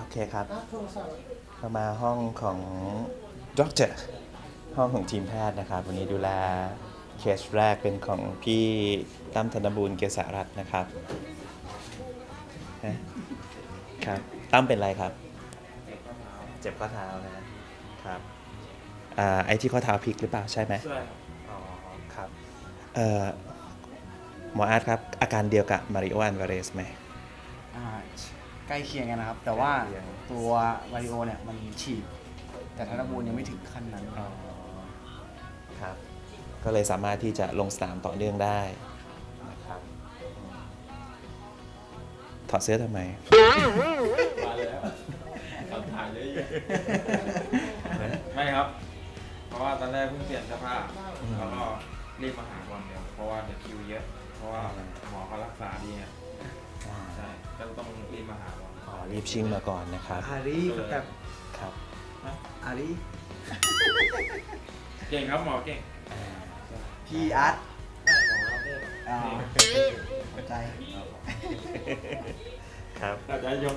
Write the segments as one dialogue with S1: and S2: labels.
S1: เคครับเรามาห้องของด็อกเตอร์ห้องของทีมแพทย์นะครับวันนี้ดูแลเคสแรกเป็นของพี่ตั้มธนบูรณ์เกษรัตน์นะครับครับตั้มเป็นไรครับเจ็บข้อเท้านะครับไอ้ที่ข้อเท้าพลิกหรือเปล่าใช่ไหม
S2: ใช่ครับ
S1: อ๋อครับหมออาร์ตครับอาการเดียวกับมาริโออัลวาเรสไหม
S3: อ่าใกล้เคียงกันนะครับ แต่ว่า
S1: ใกล้เคียง
S3: ตัววาริโอเนี่ยมันฉีกแต่ธนบูรณ์ยังไม่ถึงขั้นนั้น
S1: ครับก็เลยสามารถที่จะลงสนามต่อเนื่องได้นะครับถอดเสื้อทำไม
S2: มาแล้วคำถามเยอะแยะไม่ครับ เพราะว่าตอนแรกเพิ่งเปลี่ยนเสื้อผ้าแล้วก็รีบมาหาวันเดียวเพราะว่าเดี๋ยวคิวเยอะ เพราะว่าหมอเขารักษาดีไงใช่ก็ต้องรีบมาหาวัน
S1: อ๋อรีบชิ่งมาก่อนนะครับ
S3: อารีแบบ
S1: ครับ
S3: อารี
S2: เก่งครับหมอเก่ง
S3: พีอาร์ต
S2: หมอรับได้
S3: ขอบใจ
S1: ครับ
S2: เราจะยก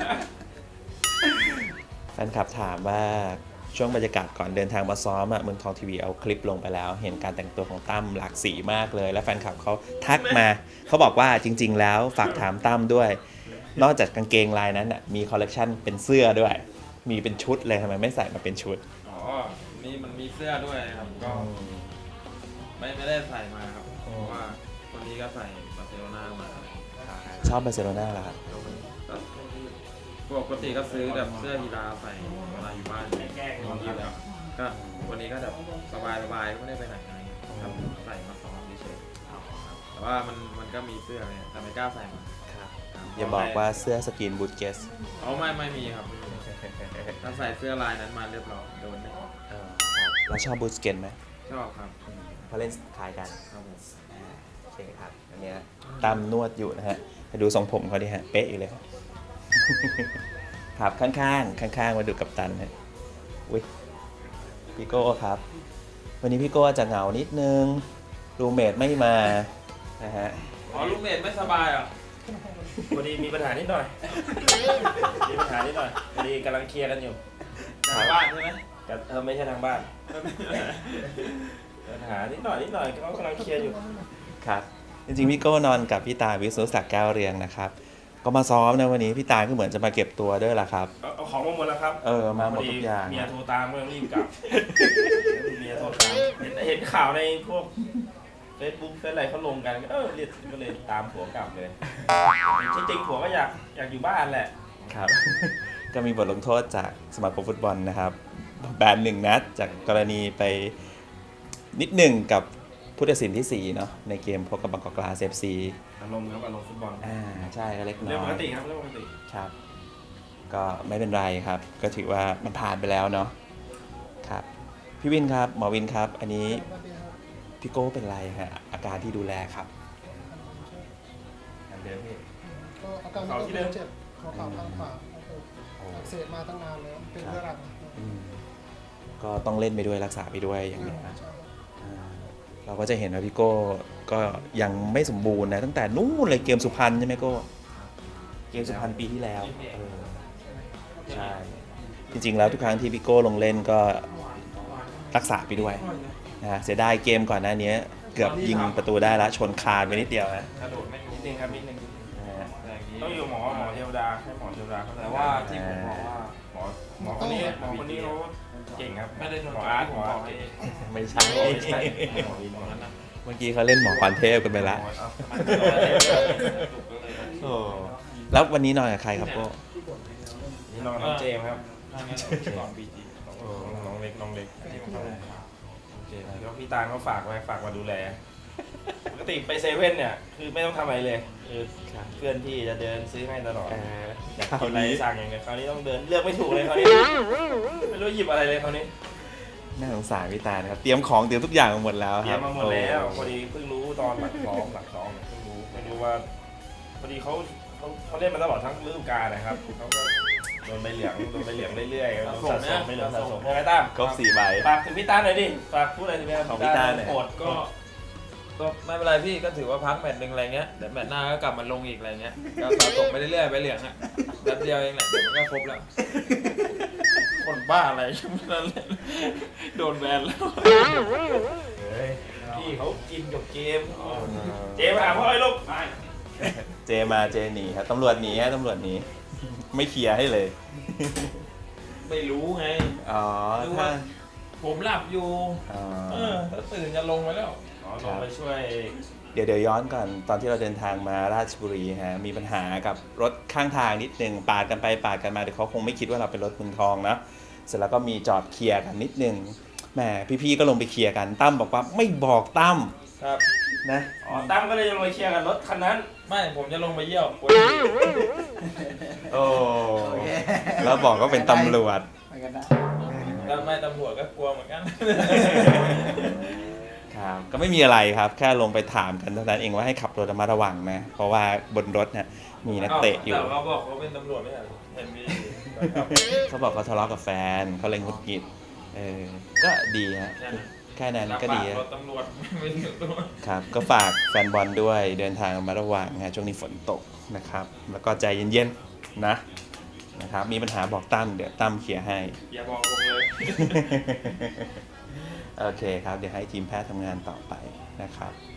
S1: แฟนคลับถามว่าช่วงบรรยากาศก่อนเดินทางมาซ้อมเมืองทองทีวีเอาคลิปลงไปแล้ว เห็นการแต่งตัวของตั้มหลากสีมากเลย และแฟนคลับเขาทักมาเขาบอกว่าจริงๆแล้วฝากถามตั้มด้วย นอกจากกางเกงลายนั้นมีคอลเลกชันเป็นเสื้อด้วย มีเป็นชุดเลยทำไมไม่ใส่มาเป็นชุด
S2: อ๋อนี่มันมีเสื้อด้วยครับก็ไม่ได้ใส่มาครับเพราะว่าคนนี้ก็ใส่บาร์เซโลนามา
S1: ชอบบาร์เซโลนาเหรอครับ
S2: ปกติก็ซื้อแบบเสื้อกีฬาใส่เวลาอยู่บ้านแก้นอนอยู่แล้วก็วันนี้ก็แบบสบายๆไม่ได้ไปไหนอะไรครับใส่มาซ้อมเฉยๆแต่ว่ามันก็มีเสื้อเนี่ยแต่ไม่กล้าใส่มา
S1: อย่าบอกว่าเสื้อสกินบูทเกส
S2: เอาไม่มีครับถ้าใส่เสื้อลายนั้นมาเรียบร้อยโดนแน่
S1: เราชอบบูทเกนไหม
S2: ชอบครับ
S1: เพราะเล่นคล้ายกัน
S2: ครับผม
S1: โอเคครับอันเนี้ยตามนวดอยู่นะฮะไปดูทรงผมเขาดิฮะเป๊ะอยู่เลย ครับข้างๆมาดูกับตันฮะอุ้ยพี่โก้ครับ วันนี้พี่โก้จะเหงานิดนึงรูเมทไม่มานะฮะ
S2: อ๋อลูกเมดไม่สบายเหรอ
S4: พอดีมีปัญหานิดหน่อย มีปัญหานิดหน่อยพอดีกำลังเคลียร์กันอยู่
S2: ทางบ้านใช่ไหม
S4: แต่ไม่ใช่ทางบ้าน ปัญหานิดหน่อยเขากำลังเคลียร์อยู่
S1: ครับจริงๆพี่โก้นอนกับพี่ตาวิศนุศักดิ์แก้วเรียงนะครับก็มาซ้อมนะวันนี้พี่ตาก็เหมือนจะมาเก็บตัวด้วยล่ะครับ
S4: เอาของมาหมดแล้วครับ
S1: มาหมดทุกอย่าง
S4: เมียโทรตามก็รีบกลับ เมียโทรตามเห็นข่าวในพวก Facebook เฟซอะไรเขาลงกันเรียกก็เลยตามผัวกลับเลยจริงๆผัวก็อยากอยู่บ้านแหละ
S1: ครับ ก็มีบทลงโทษจากสมาคมฟุตบอลนะครับแบน1 นัดจากกรณีไปนิดหนึ่งกับผู้ตัดสินที่4เนาะในเกมพบกับบางกอกกลาส FC
S4: อารมณ์ครับอารมณ์ฟุตบอล
S1: ใช่ก็เล็กน้อย
S4: เรื่องปกติครับเรื่องปกติ
S1: ครับก็ไม่เป็นไรครับก็ถือว่ามันผ่านไปแล้วเนาะครับพี่วินครับหมอวินครับอันนี้พี่โก้เป็นไรฮะอาการที่ดูแลครับ
S4: อันเดิมพี่
S5: ก็อาการมันก็เจ็บหัวเข่าข้างขวาอักเสบมาตั้งนานแล้วเป็นเรื้อรัง
S1: ก็ต้องเล่นไปด้วยรักษาไปด้วยอย่างนี้นะ
S5: ใช่ครับ
S1: เราก็จะเห็นว่าพี่โก้ก็ยังไม่สมบูรณ์นะตั้งแต่นู้นเลยเกมสุพรรณใช่ไหมโก้เกมสุพรรณปีที่แล้วใช่จริงๆแล้วทุกครั้งที่พี่โก้ลงเล่นก็รักษาไปด้วยนะฮะเสียดายเกมก่อนหน้านี้เกือบยิงประตูได้แล้วชนคานไปนิดเดียวนะ
S4: กระโดดไม่นิดนึงครับนิดนึง
S1: นะฮะ
S4: ต้องอยู่หมอเทวดาให้หมอเทวดาเขา
S2: แต่ว่าที่ผมบอกว่า
S4: หมอคนนี้เขาเก่งครับ
S2: ไม่ได้โดน
S4: หมออาร์ต
S2: ผมบอกให้
S1: ไม่ใช่
S4: ใช่หมอวินหมอนั้นนะ
S1: เมื่อกี้เขาเล่นหมอควันเทพกันไปละโอ้แล้ววันนี้นอนกับใครครับโก้
S4: นี่น้องเจมส์ครับ
S2: ก่อนบีจี
S4: น้องเล็กที่ผมเข้าเจมส์แล้วพี่ตาลเขาฝากมาดูแลปกติไปเซเว่นเนี่ยคือไม่ต้องทำอะไรเลยคือเพื่อนพี่จะเดินซื้อให้ตลอดอยากกินอะไรสั่งอย่างเงี้ยคราวนี้ต้องเดินเลือกไม่ถูกเลยคราวนี้ไม่รู้หยิบอะไรเลยคราวนี้
S1: น่าสงสารพี่ตานะครับเตรียมของเตรียมทุกอย่างมาหมดแล้ว
S4: เต
S1: ค
S4: รี
S1: รั
S4: ย
S1: บ
S4: มมาหมดแล้วพอดีเพิ่งรู้ตอนหลังซ้อมเพิ่งรู้ไม่รู้ว่าพอดีเขาเล่นมาตลอดทั้งฤดูกาลนะครับเขาก็โดนใบเหลืองเรื่อยๆโดนสะสมไม่เหลืองสะสมใช่ไหมตั้ม
S1: ครบ4 ใบ
S4: ฝากถึงพี่ตาหน่อยดิฝากพูดอะไรถึงพี่
S1: ของพี่ตาหน่อย
S4: โอดก็
S2: ก็ไม่เป็นไรพี่ก็ถือว่าพักแมตช์หนึ่งอะไรเงี้ยเดี๋ยวแมตช์หน้าก็กลับมาลงอีกอะไรเงี้ยก็สะสมไปเรื่อยๆไปเหลืองอ่ะแป๊บเดียวเองแหละเดี๋ยวมันก็ครบแล้วคนบ้าอะไรโดนแบนแล้ว
S4: เฮ้ยพี่เขากินกับเกมเจมาหาพ่อไอ้ลูก
S1: เจมาเจหนีครับตำรวจหนีฮะตำรวจหนีไม่เคลียร์ให้เลย
S2: ไม่รู้ไง
S1: อ๋อ
S2: รู้
S1: ถ้า
S2: ว่าผมหลับอยู่
S1: อ๋อ
S2: ถ้าตื่นจะลงไปแล้ว
S4: อ๋อลงไปช่วย
S1: เดี๋ยวย้อนก่อนตอนที่เราเดินทางมาราชบุรีฮะมีปัญหากับรถข้างทางนิดนึงปาดกันไปปาดกันมาเดี๋ยวเขาคงไม่คิดว่าเราเป็นรถเมืองทองนะเสร็จแล้วก็มีจอดเคลียร์กันนิดนึงแหมพี่ๆก็ลงไปเคลียร์กันตั้มบอกว่าไม่บอกตั้ม
S2: ครับ
S1: นะ
S4: อ๋อตั้มก็เลยลงไปเคลียร์กับรถคันนั้น
S2: ไม่ผมจะลงไปเยี่ยว
S1: โอ้แล้วบอกก็เป็นตำรวจ
S3: ไปกันนะ
S2: แล้วไม่ตำรวจก็กลัวเหมือนกัน
S1: ครับก็ไม่มีอะไรครับแค่ลงไปถามกันเท่านั้นเองว่าให้ขับรถระมัดระวังนะเพราะว่าบนรถเนี่ยมีนักเตะอยู่
S2: แต่เขาบอกเขาเป็นตำรวจไม่ใช่เหรอเห็นมีนะครับ
S1: เขาบอกเขาทะเลาะกับแฟนเขาเลยหงุดหงิดก็ดีฮะแค่นั้นก็ดี
S2: รถตำรวจไม่ถึงตัว
S1: ครับก็ฝากแฟนบอลด้วยเดินทางระมาระวังนะช่วงนี้ฝนตกนะครับแล้วก็ใจเย็นๆนะครับมีปัญหาบอกตั้มเดี๋ยวตั้มเคลียร์ให้
S2: อย่าบอกผมเลย
S1: โอเคครับเดี๋ยวให้ทีมแพทย์ทำงานต่อไปนะครับ